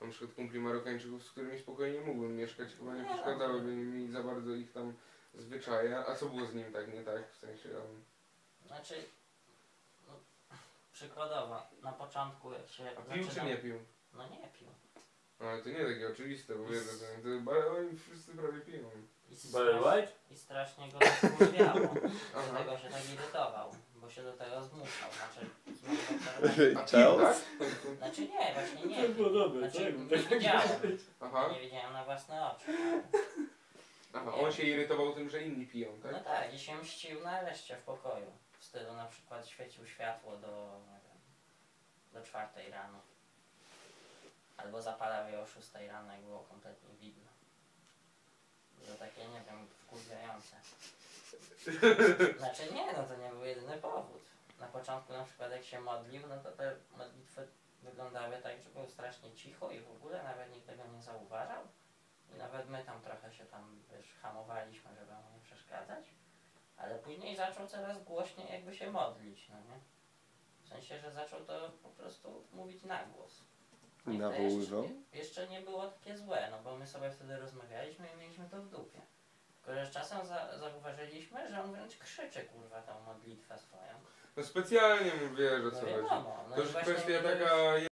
na przykład kumpli Marokańczyków, z którymi spokojnie mógłbym mieszkać, chyba nie przeszkadzałyby mi za bardzo ich tam zwyczaje. A co było z nim tak nie tak? W sensie Znaczy, no, przykładowo, na początku jak się... pił czy nie pił? No nie pił. Ale to nie takie oczywiste, bo wiedzę, że oni wszyscy prawie piją. I strasznie go to wkurwiało. Dlatego się tak irytował, bo się do tego zmuszał. Znaczy nie, właśnie nie. Znaczy nie widziałem. Nie widziałem na własne oczy. Aha, on się irytował tym, że inni piją, tak? No tak, i się mścił na reszcie w pokoju. W stylu na przykład świecił światło do 4 rano. Albo zapalał je o 6 rano, jak było kompletnie widno. To takie, nie wiem, wkurwiające. Znaczy nie, no to nie był jedyny powód. Na początku na przykład jak się modlił, no to te modlitwy wyglądały tak, że było strasznie cicho i w ogóle nawet nikt tego nie zauważał. I nawet my tam trochę się tam, wiesz, hamowaliśmy, żeby mu nie przeszkadzać. Ale później zaczął coraz głośniej jakby się modlić, no nie? W sensie, że zaczął to po prostu mówić na głos. Nawoływał? Jeszcze nie było takie złe, no bo my sobie wtedy rozmawialiśmy i mieliśmy to w dupie. Tylko że czasem zauważyliśmy, że on wręcz krzyczy, kurwa, tą modlitwę swoją. No specjalnie mówię, że co no wiadomo, no to już właśnie kwestia taka